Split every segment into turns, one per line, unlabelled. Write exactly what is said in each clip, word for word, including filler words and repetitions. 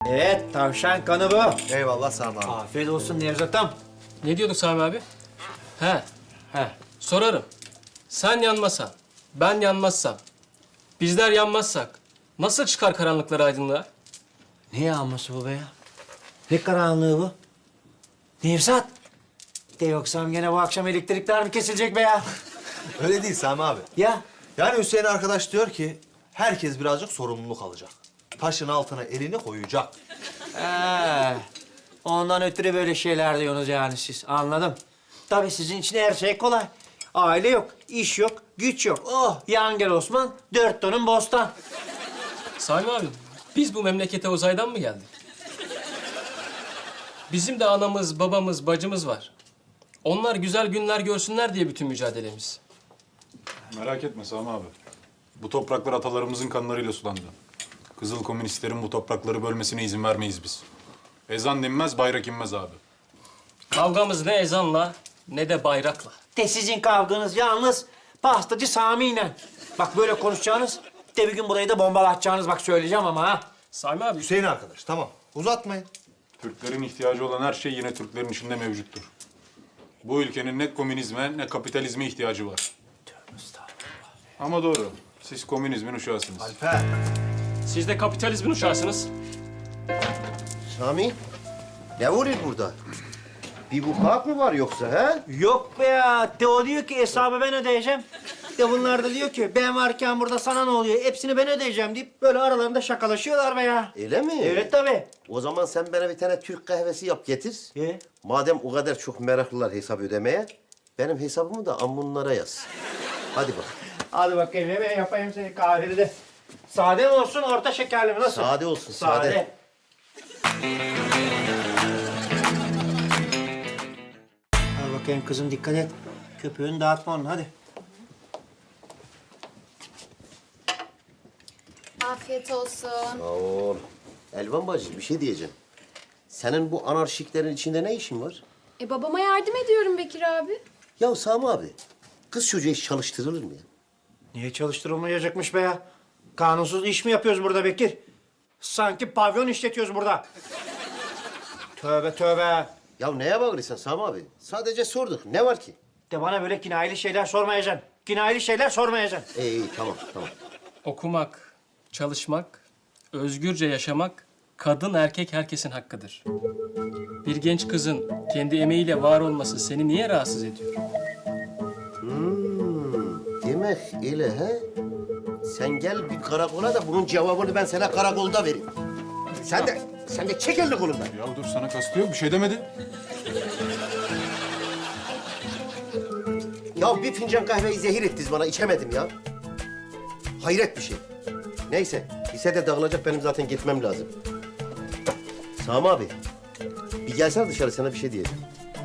Evet, tavşan kanı bu.
Eyvallah Sami abi.
Afiyet olsun Nevzat'ım.
Ne diyorduk Sami abi? He,
He.
sorarım. Sen yanmasan, ben yanmazsam, bizler yanmazsak nasıl çıkar karanlıklar aydınlığa?
Ne yağması bu be ya? Ne karanlığı bu? Nevzat. De yoksam gene bu akşam elektrikler mi kesilecek be ya?
Öyle değil Sami abi.
Ya?
Yani Hüseyin arkadaş diyor ki herkes birazcık sorumluluk alacak. Taşın altına elini koyacak.
He. Ondan ötürü böyle şeyler diyorsunuz yani siz. Anladım. Tabii sizin için her şey kolay. Aile yok, iş yok, güç yok. Oh, yan gel Osman, dört tonun bostan.
Sami abi, biz bu memlekete uzaydan mı geldik? Bizim de anamız, babamız, bacımız var. Onlar güzel günler görsünler diye bütün mücadelemiz.
Merak etme Sami abi. Bu topraklar atalarımızın kanlarıyla sulandı. Kızıl komünistlerin bu toprakları bölmesine izin vermeyiz biz. Ezan dinmez, bayrak inmez abi.
Kavgamız ne ezanla ne de bayrakla.
De sizin kavganız yalnız pastacı Sami'yle. Bak böyle konuşacağınız, de bir gün burayı da bombalatacağınız bak söyleyeceğim ama ha.
Sami abi,
Hüseyin arkadaş tamam uzatmayın.
Türklerin ihtiyacı olan her şey yine Türklerin içinde mevcuttur. Bu ülkenin ne komünizme ne kapitalizme ihtiyacı var. Ama doğru. Siz komünizmin uşağısınız.
Alper.
siz de kapitalizmin uşağısınız.
Sami, ne oluyor burada? Bir vukuat mı var yoksa ha?
Yok be ya. De o diyor ki hesabı ben ödeyeceğim. De bunlar da diyor ki ben varken burada sana ne oluyor? Hepsini ben ödeyeceğim deyip böyle aralarında şakalaşıyorlar be ya.
Öyle mi?
Evet tabii.
O zaman sen bana bir tane Türk kahvesi yap getir.
E?
Madem o kadar çok meraklılar hesap ödemeye, benim hesabımı da ammunlara yaz. Hadi bak.
Hadi bakayım ben yapayım seni kahveni de. Sade mi olsun, orta şekerli mi? Nasıl?
Sade olsun, sade.
Al bakayım kızım, dikkat et. Köpüğünü dağıtma onun, hadi.
Afiyet olsun.
Sağ ol. Elvan bacı bir şey diyeceğim. Senin bu anarşiklerin içinde ne işin var?
E babama yardım ediyorum Bekir abi.
Ya Sami abi, kız çocuğu hiç çalıştırılır mı ya?
Niye çalıştırılmayacakmış be ya? Kanunsuz iş mi yapıyoruz burada Bekir? Sanki pavyon işletiyoruz burada. Tövbe tövbe.
Ya neye bağırıyorsun Sami abi? Sadece sorduk. Ne var ki?
De bana böyle kinayeli şeyler sormayacaksın. Kinayeli şeyler sormayacaksın.
İyi iyi tamam tamam.
Okumak, çalışmak, özgürce yaşamak kadın erkek herkesin hakkıdır. Bir genç kızın kendi emeğiyle var olması seni niye rahatsız ediyor?
Demek öyle he? Sen gel bir karakola da bunun cevabını ben sana karakolda vereyim. Sen de, sen de çek elini kolundan.
Ya dur sana kastı yok, bir şey demedi.
Ya bir fincan kahveyi zehir ettiniz bana, içemedim ya. Hayret bir şey. Neyse, lisede dağılacak, benim zaten gitmem lazım. Sami abi, bir gelsene dışarı, sana bir şey diyeceğim.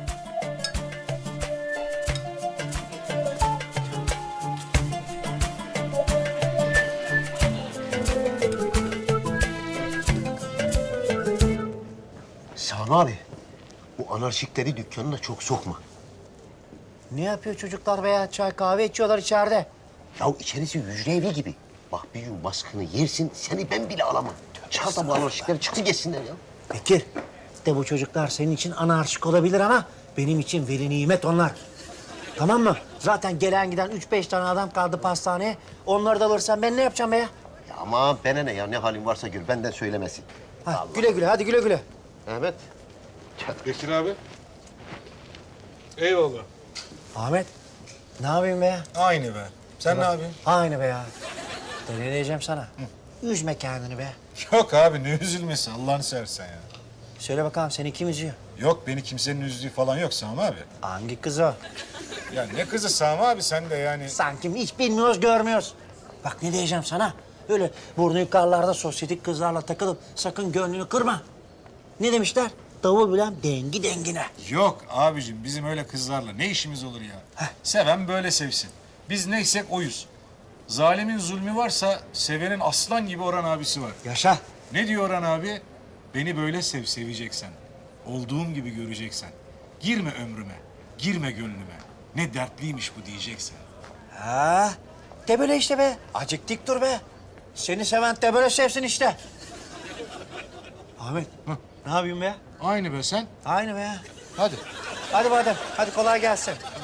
Sami abi, bu anarşikleri dükkanına çok sokma.
Ne yapıyor çocuklar be ya? Çay kahve içiyorlar içeride.
Ya içerisi hücre evi gibi. Bak bir gün baskını yersin, seni ben bile alamam. Çıkar da bu anarşikleri çıktı geçsinler ya.
Bekir, de bu çocuklar senin için anarşik olabilir ama benim için veli nimet onlar. Tamam mı? Zaten gelen giden üç beş tane adam kaldı pastaneye. Onları da alırsan ben ne yapacağım be ya?
Ya ama bana ne ya, ne halin varsa gör, benden söylemesin.
Ha, güle güle, hadi güle güle.
Ahmet.
Bekir abi. Eyvallah.
Ahmet, ne yapayım be ya?
Aynı be. Sen ne yapıyorsun?
Aynı be ya. De ne diyeceğim sana? Üzme kendini be.
Yok abi ne üzülmesi Allah'ını seversen ya.
Söyle bakalım seni kim üzüyor?
Yok beni kimsenin üzdüğü falan yok Sami abi.
Hangi kız o?
Ya ne kızı Sami abi sen de yani.
Sanki hiç bilmiyoruz, görmüyoruz. Bak ne diyeceğim sana? Öyle burnu yukarılarda sosyetik kızlarla takılıp sakın gönlünü kırma. Ne demişler? Davul bilen dengi dengine.
Yok abicim bizim öyle kızlarla ne işimiz olur ya. Seven böyle sevsin. Biz neysek oyuz. Zalimin zulmü varsa sevenin aslan gibi Orhan abisi var.
Yaşa.
Ne diyor Orhan abi? Beni böyle sev, seveceksen. Olduğum gibi göreceksen. Girme ömrüme, girme gönlüme. Ne dertliymiş bu diyeceksen.
Ha, de böyle işte be. Acık dik dur be. Seni seven de böyle sevsin işte. Ahmet, ne yapıyorsun be ya?
Aynı be sen.
Aynı be ya.
Hadi.
Hadi madem, hadi kolay gelsin.